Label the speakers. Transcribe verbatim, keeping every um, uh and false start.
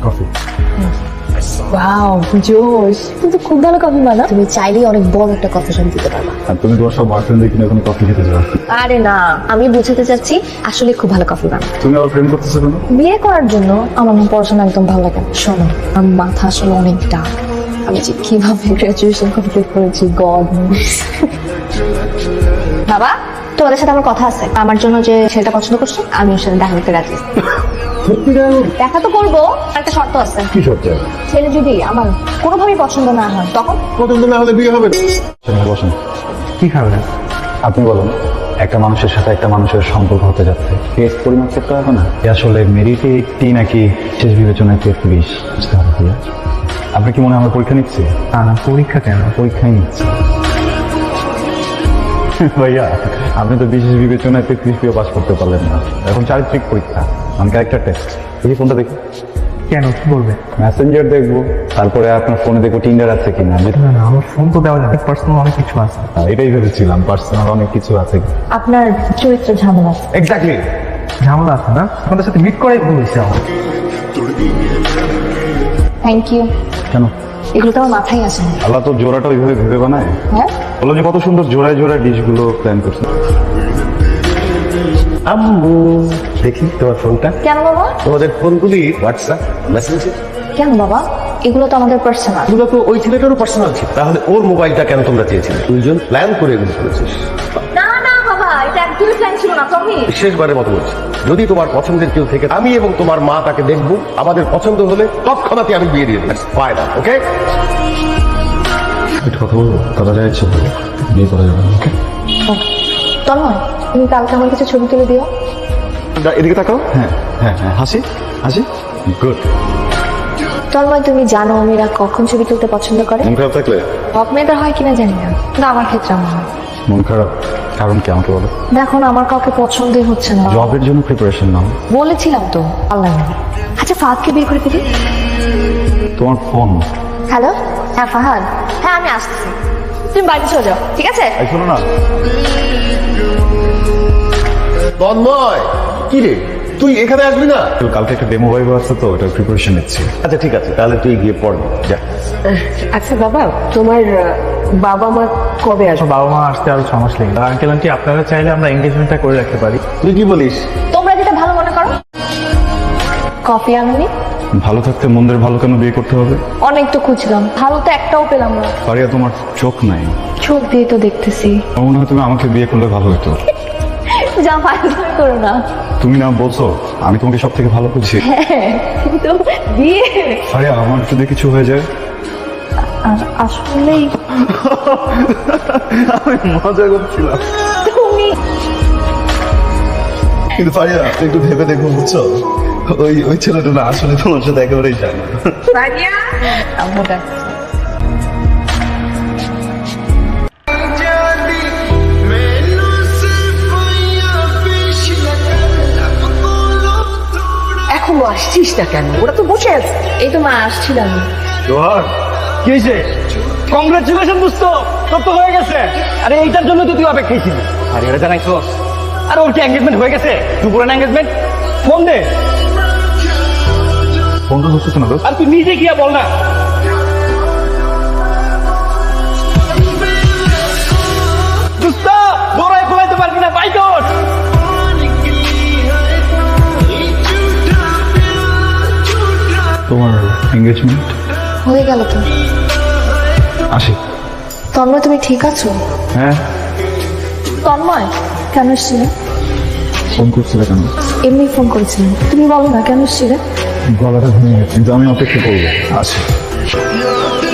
Speaker 1: Coffee.
Speaker 2: Wow জোশ, কিন্তু খুব ভালো কফি বানা। তুমি চাইলেই অনেক বড় একটা কফি শপ দিতে পারবা।
Speaker 1: আর তুমি তোমার সব বয়ফ্রেন্ডদের কিনে এখন কফি খেতে যাও।
Speaker 2: আরে না, আমি বুঝাতে চাচ্ছি আসলে খুব ভালো কফি বানা।
Speaker 1: তুমি আবার প্রেম করতেছো কেন?
Speaker 2: বিয়ে করার জন্য। আমার না পড়াশোনা একদম ভালো লাগে না। শোনো, আমার মাথা আসলে অনেক ডাক। আমি যে কিভাবে গ্রাজুয়েশন কমপ্লিট করেছি গড নোস। বাবা, তোমাদের সাথে আমার কথা আছে। আমার জন্য যে ছেলেটা পছন্দ করছো, আমি ওর সাথে দেখা করতে রাজি। দেখা তো করবো, একটা শর্ত আছে।
Speaker 1: কি সত্যি?
Speaker 2: ছেলে যদি আমার কোনোভাবেই পছন্দ না হয় তখন?
Speaker 1: পছন্দ না হলে বিয়ে হবে না। বসুন।
Speaker 3: কি খাবেন?
Speaker 1: আপনি বলুন, একটা মানুষের সাথে একটা মানুষের সম্পর্ক হতে যাচ্ছে, টেস্ট পরিমাপ করতে হবে না? এ আসলে মেরিটে এইটটি নাকি শেষ বিবেচনায় তেত্রিশ বুঝতে হবে ভাইয়া। আপনি কি মনে হয় আমার পরীক্ষা নিচ্ছি?
Speaker 3: না না, পরীক্ষা কেন?
Speaker 1: পরীক্ষাই নিচ্ছি ভাইয়া। আপনি তো বিশেষ বিবেচনায় তেত্রিশ পেয়ে পাস করতে পারলেন না। এখন চারিত্রিক পরীক্ষা, মানে ক্যারেক্টার টেস্ট। এই ফোনটা দেখি।
Speaker 3: কেন, কি করবে?
Speaker 1: মেসেঞ্জার দেখবো, তারপরে আপনার ফোনে দেখবো টিন্ডার আছে কিনা।
Speaker 3: না না, আমার ফোন তো দেওয়া যাবে, পার্সোনাল অনেক কিছু আছে।
Speaker 1: এটাই ভেবেছিলাম, পার্সোনাল অনেক কিছু আছে।
Speaker 2: আপনার চরিত্র ঝামেলা আছে।
Speaker 1: এক্স্যাক্টলি।
Speaker 3: ঝামেলা আছে না? আপনাদের সাথে মিট করাই ভুল হয়েছে আমার।
Speaker 2: Thank you.
Speaker 1: কেন?
Speaker 2: এগুলো তো আমার মাথায় আসে না।
Speaker 1: আল্লাহ তো জোড়াটা ওইভাবে ভেবে বানায়।
Speaker 2: হ্যাঁ,
Speaker 1: বলো যে কত সুন্দর জোড়ায় জোড়ায় ডিশগুলো প্ল্যান করছে।
Speaker 4: আম্মু, দেখি তোমার ফোনটা।
Speaker 2: কেন বাবা?
Speaker 4: তোমাদের ফোনগুলি হোয়াটসঅ্যাপ মেসেঞ্জার
Speaker 2: কেন বাবা? এগুলো তো আমাদের পার্সোনাল।
Speaker 4: এগুলো তো ওই ছেলেটারও পার্সোনাল ছিল। তাহলে ওর মোবাইলটা কেন তোমরা চেয়েছিলে? দুইজন প্ল্যান করে এগুলো করেছিস।
Speaker 2: না না বাবা, এটা একদমই প্ল্যান ছিল না। তুমি
Speaker 4: শেষবারের মতো বলছি, যদি তোমার পছন্দের কেউ থেকে আমি এবং তোমার মা তাকে দেখবো, আমাদের পছন্দ হলে তৎক্ষণাৎ আমি বিয়ে দিয়ে দিই। ফায়দা, ওকে?
Speaker 1: একটু কথা বলবো, কথা যায় ইচ্ছে বলবো, বিয়ে করা যাবে। ওকে
Speaker 2: তন্ময়, তুমি কালকে আমার কিছু ছবি তুলে দিও।
Speaker 1: এদিকে তাকাও। হ্যাঁ হ্যাঁ হ্যাঁ, হাসি হাসি, গুড।
Speaker 2: তন্ময়, তুমি জানো মেয়েরা কখন ছবি তুলতে পছন্দ করে?
Speaker 1: মন খারাপ থাকলে?
Speaker 2: সব মেয়েদের হয় কিনা জানি না, কিন্তু আমার ক্ষেত্রে আমার হয়।
Speaker 1: মন খারাপ কারণ কি আমাকে বলো?
Speaker 2: দেখো না, আমার কাউকে পছন্দই হচ্ছে না।
Speaker 1: জবের জন্য প্রিপারেশন নাও।
Speaker 2: বলেছিলাম তো, আল্লাহ জানে। আচ্ছা, ফাহাদকে বিয়ে করে ফেলি।
Speaker 1: তোমার ফোন।
Speaker 2: হ্যালো, হ্যাঁ ফাহাদ। হ্যাঁ, আমি আসছি, তুমি বাড়িতে চলে যাও, ঠিক আছে?
Speaker 1: এই শোনো না,
Speaker 4: তন্ময়, কি রে, তুই এখানে আসবি না?
Speaker 1: তো কালকে একটা ডেমো ভাইভ আছে, তো ওটা প্রিপারেশন নিচ্ছি।
Speaker 4: আচ্ছা ঠিক আছে, তাহলে তুই গিয়ে পড়বি, যা।
Speaker 5: আচ্ছা বাবা, তোমার বাবা মা কবে আসবে?
Speaker 3: বাবা মা আসতে আরো ছ মাস লেগে। আঙ্কেল আন্টি, আপনারা চাইলে আমরা এঙ্গেজমেন্টটা করে রাখতে পারি।
Speaker 4: তুই কি বলিস?
Speaker 2: তোমরা যেটা ভালো মনে করো। কফি আনবি?
Speaker 1: ভালো থাকতে মন্দের ভালো কেন বিয়ে করতে হবে?
Speaker 2: অনেক তো খুঁজলাম, ভালো তো একটাও পেলাম না।
Speaker 1: পারিয়া, তোমার চোখ নাই।
Speaker 2: চোখ দিয়ে তো দেখতেছি।
Speaker 1: আমার মনে হয় তুমি আমাকে বিয়ে করলে ভালো হতো।
Speaker 2: যা ফাইজলামি করো না।
Speaker 1: তুমি না বলছো আমি তোমাকে সব থেকে ভালো বুঝি?
Speaker 2: হ্যাঁ, কিন্তু বিয়ে
Speaker 1: পারিয়া, আমার যদি কিছু হয়ে যায়?
Speaker 2: আ- আসলেই
Speaker 1: আমি মজা করছিলাম।
Speaker 2: তুমি
Speaker 1: কিন্তু পারিয়া, একটু ভেবে দেখো, বুঝছো, ওই ওই ছেলেটা না আসলে তোমার সাথে একেবারেই যায় না।
Speaker 2: আম্মু ডাকছে।
Speaker 5: এখনো আসছিস না কেন? ওরা তো বসে আছে।
Speaker 2: এই তো মা, আসছিলাম।
Speaker 3: জোহার, কি হয়েছে? কংগ্রেচুলেশন দোস্ত, তোর তো হয়ে গেছে। আরে এইটার জন্য তো তুই অপেক্ষায় ছিলি। আরে এটা জানাইছো? আর ওর কি এঙ্গেজমেন্ট হয়ে গেছে? দুপুরে এঙ্গেজমেন্ট? ফোন দে।
Speaker 1: ফোনটা হচ্ছে না দোস্ত।
Speaker 3: আর তুই নিজে গিয়া বল না। দোস্ত, দৌড়ায় খোলাইতে পারবি না, বাইক ওঠ।
Speaker 1: তোমার এঙ্গেজমেন্ট
Speaker 2: হয়ে গেল তো।
Speaker 1: আসি।
Speaker 2: তন্ময়, তুমি ঠিক আছো?
Speaker 1: হ্যাঁ।
Speaker 2: তন্ময়, কেন এসছিলে?
Speaker 1: ফোন করছিলে কেন?
Speaker 2: এমনি ফোন করেছিলাম। তুমি বলো না কেন এসছিলে?
Speaker 1: গলাটা ভেঙে গেছে, কিন্তু আমি অপেক্ষা করবো। আসি।